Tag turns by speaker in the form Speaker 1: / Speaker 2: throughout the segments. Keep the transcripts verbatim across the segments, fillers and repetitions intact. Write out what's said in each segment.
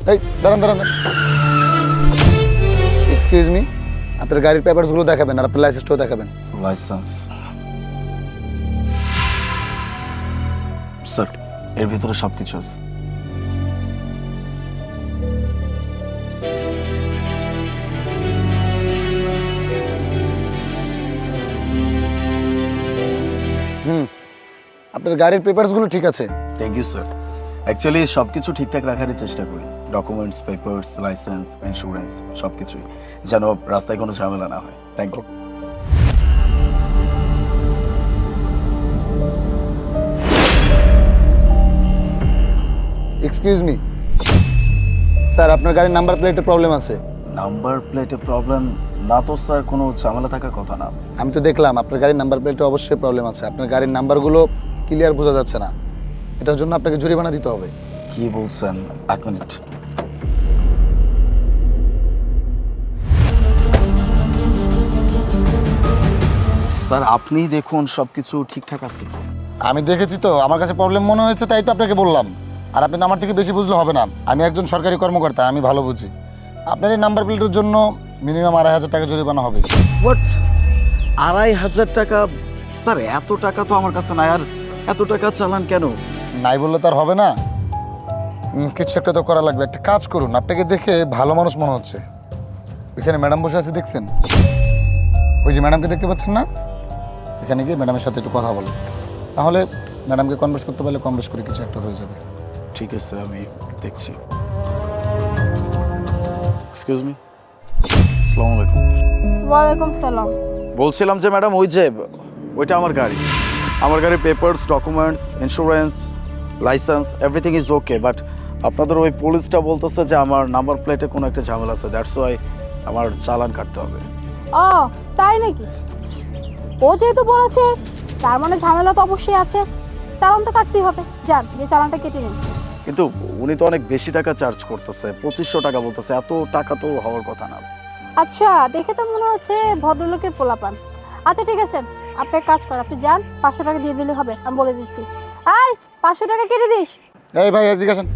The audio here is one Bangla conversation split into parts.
Speaker 1: এই দাঁড়ান দাঁড়ান এক্সকিউজ মি, আপনার গাড়ির পেপারসগুলো দেখাবেন আর আপনার লাইসেন্সটাও দেখাবেন।
Speaker 2: লাইসেন্স স্যার, এর ভিতরে সব কিছু আছে।
Speaker 1: হুম, আপনার গাড়ির পেপারসগুলো ঠিক আছে।
Speaker 2: Thank you sir. অ্যাকচুয়ালি সব কিছু ঠিকঠাক রাখারই চেষ্টা করি, ডকুমেন্টস, পেপারস, লাইসেন্স, ইন্স্যুরেন্স সব কিছুই, যেন রাস্তায় কোনো ঝামেলা না হয়। Thank you.
Speaker 1: Excuse me sir, আপনার গাড়ির নাম্বার প্লেটে প্রবলেম আছে।
Speaker 2: নাম্বার প্লেটে প্রবলেম না তো স্যার, কোনো ঝামেলা থাকার কথা না।
Speaker 1: আমি তো দেখলাম আপনার গাড়ির নাম্বার প্লেটে অবশ্যই প্রবলেম আছে। আপনার গাড়ির নাম্বারগুলো ক্লিয়ার বোঝা যাচ্ছে না, এটার জন্য আপনাকে জরিমানা দিতে হবে।
Speaker 2: কি বলছেন? এক মিনিট। স্যার আপনি দেখুন সব কিছু ঠিকঠাক আছে।
Speaker 1: আমি দেখেছি তো, আমার কাছে প্রবলেম মনে হয়েছে, তাই তো আপনাকে বললাম। আর আপনি তো আমার থেকে বেশি বুঝলে হবে না, আমি একজন সরকারি কর্মকর্তা, আমি ভালো বুঝি। আপনার এই নাম্বার প্লেটের জন্য মিনিমাম আড়াই হাজার টাকা জরিমানা হবে।
Speaker 2: হোয়াট? আড়াই হাজার টাকা? স্যার এত টাকা তো আমার কাছে নাই। আর এত টাকা চালান কেন?
Speaker 1: নাই বললে তো আর হবে না, উম, কিছু একটা তো করা লাগবে। একটা কাজ করুন, আপনাকে দেখে ভালো মানুষ মনে হচ্ছে। ওইখানে ম্যাডাম বসে আছে দেখছেন? ওই যে ম্যাডামকে দেখতে পাচ্ছেন না, এখানে গিয়ে ম্যাডামের সাথে একটু কথা বলেন, তাহলে ম্যাডামকে কনভার্স করতে পারলে কনভার্স করে কিছু একটা হয়ে যাবে।
Speaker 2: ঠিক আছে, আমি দেখছি। এক্সকিউজ মি, আসসালামু আলাইকুম।
Speaker 3: ওয়ালাইকুম সালাম।
Speaker 2: বলছিলাম যে ম্যাডাম, ওই যে ওইটা আমার গাড়ি, আমার গাড়ির papers, documents, insurance, licence everything is okay, but আপনাদের ওই পুলিশটা বলতেছে যে আমার নাম্বার প্লেটে কোনো একটা ঝামেলা আছে, দ্যাটস ওয়াই আমার চালান কাটতে হবে।
Speaker 3: ও তাই নাকি? ও যেহেতু বলেছে তার মানে ঝামেলা তো অবশ্যই আছে, চালান তো কাটতেই হবে। যান, যে চালানটা কেটে নিন।
Speaker 2: কিন্তু উনি তো অনেক বেশি টাকা চার্জ করতেছে, পঁচিশশো টাকা বলতেছে। এত টাকা তো হওয়ার কথা না।
Speaker 3: আচ্ছা, দেখে তো মনে হচ্ছে ভদ্রলোকের পোলাপান। আচ্ছা ঠিক আছে, আপনি এক কাজ করেন, আপনি যান, পাঁচশো টাকা দিয়ে দিলে হবে, আমি বলে দিচ্ছি। আয়, পাঁচশো টাকা কেটে দিস।
Speaker 1: এই ভাই এদিকে আসেন।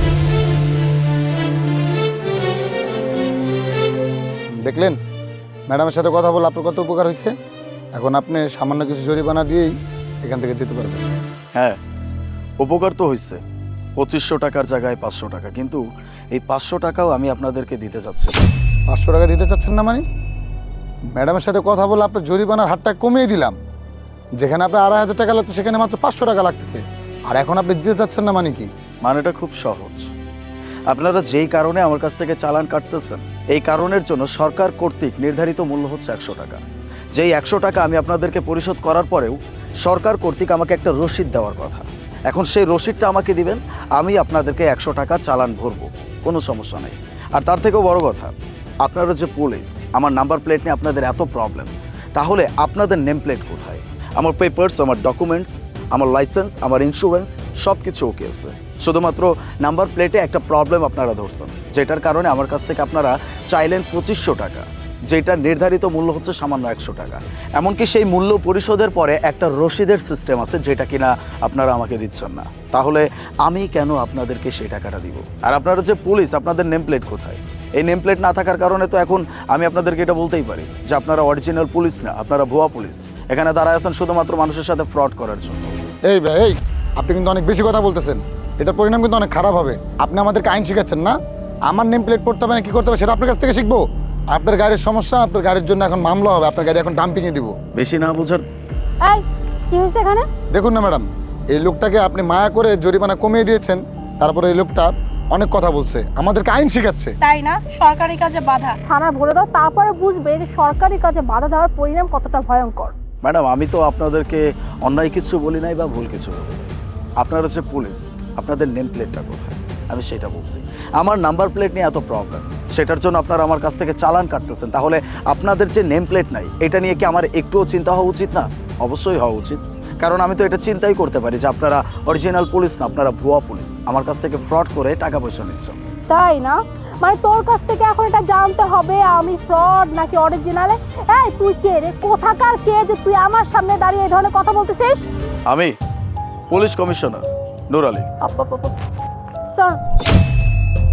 Speaker 1: দেখলেন ম্যাডামের সাথে কথা বলে আপনার কত উপকার হয়েছে। এখন আপনি সামান্য কিছু জরিমানা দিয়েই এখান থেকে যেতে পারবেন।
Speaker 2: হ্যাঁ, উপকার তো হয়েছে, পঁচিশশো টাকার জায়গায় পাঁচশো টাকা, কিন্তু এই পাঁচশো টাকাও আমি আপনাদেরকে দিতে চাচ্ছি।
Speaker 1: পাঁচশো টাকা দিতে চাচ্ছেন না মানে? ম্যাডামের সাথে কথা বলে আপনার জরিমানার হারটা কমিয়ে দিলাম। যেখানে আপনার আড়াই হাজার টাকা লাগতো সেখানে মাত্র পাঁচশো টাকা লাগতেছে, আর এখন আপনি দিতে চাচ্ছেন না মানে কি?
Speaker 2: মানেটা খুব সহজ। আপনারা যেই কারণে আমার কাছ থেকে চালান কাটতেছেন, এই কারণের জন্য সরকার কর্তৃক নির্ধারিত মূল্য হচ্ছে একশো টাকা। যেই একশো টাকা আমি আপনাদেরকে পরিশোধ করার পরেও সরকার কর্তৃক আমাকে একটা রসিদ দেওয়ার কথা। এখন সেই রসিদটা আমাকে দিবেন, আমি আপনাদেরকে একশো টাকা চালান ভরবো, কোনো সমস্যা নেই। আর তার থেকেও বড় কথা, আপনারা যে পুলিশ, আমার নাম্বার প্লেট নিয়ে আপনাদের এত প্রবলেম, তাহলে আপনাদের নেম প্লেট কোথায়? আমার পেপারস, আমার ডকুমেন্টস, আমার লাইসেন্স, আমার ইন্স্যুরেন্স সব কিছু ওকে আছে, শুধুমাত্র নাম্বার প্লেটে একটা প্রবলেম আপনারা ধরছেন, যেটার কারণে আমার কাছ থেকে আপনারা চাইলেন পঁচিশশো টাকা, যেটা নির্ধারিত মূল্য হচ্ছে সামান্য একশো টাকা। এমনকি সেই মূল্য পরিশোধের পরে একটা রসিদের সিস্টেম আছে, যেটা কিনা আপনারা আমাকে দিচ্ছেন না। তাহলে আমি কেন আপনাদেরকে সেই টাকাটা দিব? আর আপনারা যে পুলিশ, আপনাদের নেম প্লেট কোথায়? এই নেম প্লেট না থাকার কারণে তো এখন আমি আপনাদেরকে এটা বলতেই পারি যে আপনারা অরিজিনাল পুলিশ না, আপনারা ভুয়া পুলিশ। এখানে দাঁড়ায় আছেন শুধুমাত্র মানুষের সাথে ফ্রড করার জন্য।
Speaker 1: এই ভাই, এই আপনি কিন্তু অনেক বেশি কথা বলতেছেন, এটার পরিণাম কিন্তু অনেক খারাপ হবে। আপনি আমাদেরকে আইন শিখাচ্ছেন না, আমার নেম প্লেট পড়তে হবে না কি করতে হবে সেটা আপনার কাছ থেকে শিখবো। আপনার গাড়ির সমস্যা, আপনার গাড়ির জন্য এখন মামলা হবে, আপনার গাড়ি এখন ডাম্পিংয়ে দিব।
Speaker 2: বেশি না বোঝার।
Speaker 3: এই, কি হয়েছে এখানে?
Speaker 1: দেখুন না ম্যাডাম, এই লোকটাকে আপনি মায়া করে জরিমানা কমিয়ে দিয়েছেন, তারপরে এই লোকটা অনেক কথা বলছে, আমাদেরকে আইন শিখাচ্ছে।
Speaker 3: তাই না? সরকারি কাজে বাধা। থানা ভরে দাও, তারপরে বুঝবে যে সরকারি কাজে বাধা দেওয়ার পরিণাম কতটা ভয়ঙ্কর।
Speaker 2: ম্যাডাম, আমি তো আপনাদেরকে অন্যায় কিছু বলি নাই বা ভুল কিছু বলি। আপনারা যে পুলিশ, আপনাদের নেম প্লেটটা কোথায় আমি সেটা বলছি। আমার নাম্বার প্লেট নিয়ে এত প্রবলেম, সেটার জন্য আপনারা আমার কাছ থেকে চালান কাটতেছেন, তাহলে আপনাদের যে নেম প্লেট নাই এটা নিয়ে কি আমার একটুও চিন্তা হওয়া উচিত না? অবশ্যই হওয়া উচিত, কারণ আমি তো এটা চিন্তাই করতে পারি যে আপনারা অরিজিনাল পুলিশ না, আপনারা ভুয়া পুলিশ, আমার কাছ থেকে ফ্রড করে টাকা পয়সা নিচ্ছেন।
Speaker 3: তাই না? মানে তোর কাছ থেকে এখন এটা জানতে হবে আমি ফ্রড নাকি অরিজিনালে। এই তুই কে রে? কোথাকার কে যে তুই আমার সামনে দাঁড়িয়ে এই ধরনের কথা বলতেছিস?
Speaker 2: আমি police commissioner Nur Ali.
Speaker 3: Sir,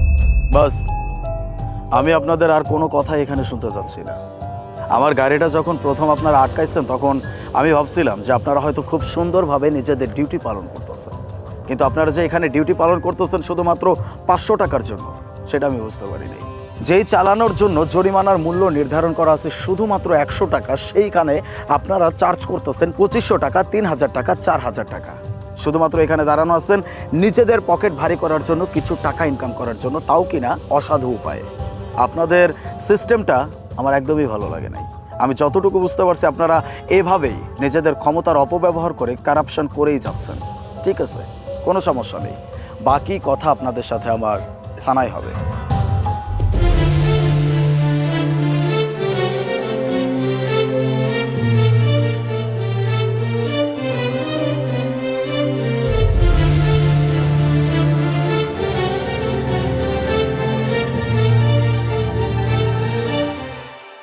Speaker 2: বাস, আমি আপনাদের আর কোনো কথা এখানে শুনতে চাচ্ছি না। আমার গাড়িটা যখন প্রথম আপনারা আটকাইছেন তখন আমি ভাবছিলাম যে আপনারা হয়তো খুব সুন্দরভাবে নিজেদের ডিউটি পালন করতেছেন, কিন্তু আপনারা যে এখানে ডিউটি পালন করতেছেন শুধুমাত্র পাঁচশো টাকার জন্য, সেটা আমি বুঝতে পারিনি। যেই চালানোর জন্য জরিমানার মূল্য নির্ধারণ করা আছে শুধুমাত্র একশো টাকা, সেইখানে আপনারা চার্জ করতেছেন পঁচিশশো টাকা, তিন হাজার টাকা, চার হাজার টাকা। শুধুমাত্র এখানে দাঁড়ানো আছেন নিজেদের পকেট ভারী করার জন্য, কিছু টাকা ইনকাম করার জন্য, তাও কিনা অসাধু উপায়ে। আপনাদের সিস্টেমটা আমার একদমই ভালো লাগে নাই। আমি যতটুকু বুঝতে পারছি আপনারা এভাবেই নিজেদের ক্ষমতার অপব্যবহার করে কারাপশন করেই যাচ্ছেন। ঠিক আছে, কোনো সমস্যা নেই, বাকি কথা আপনাদের সাথে আমার থানায় হবে।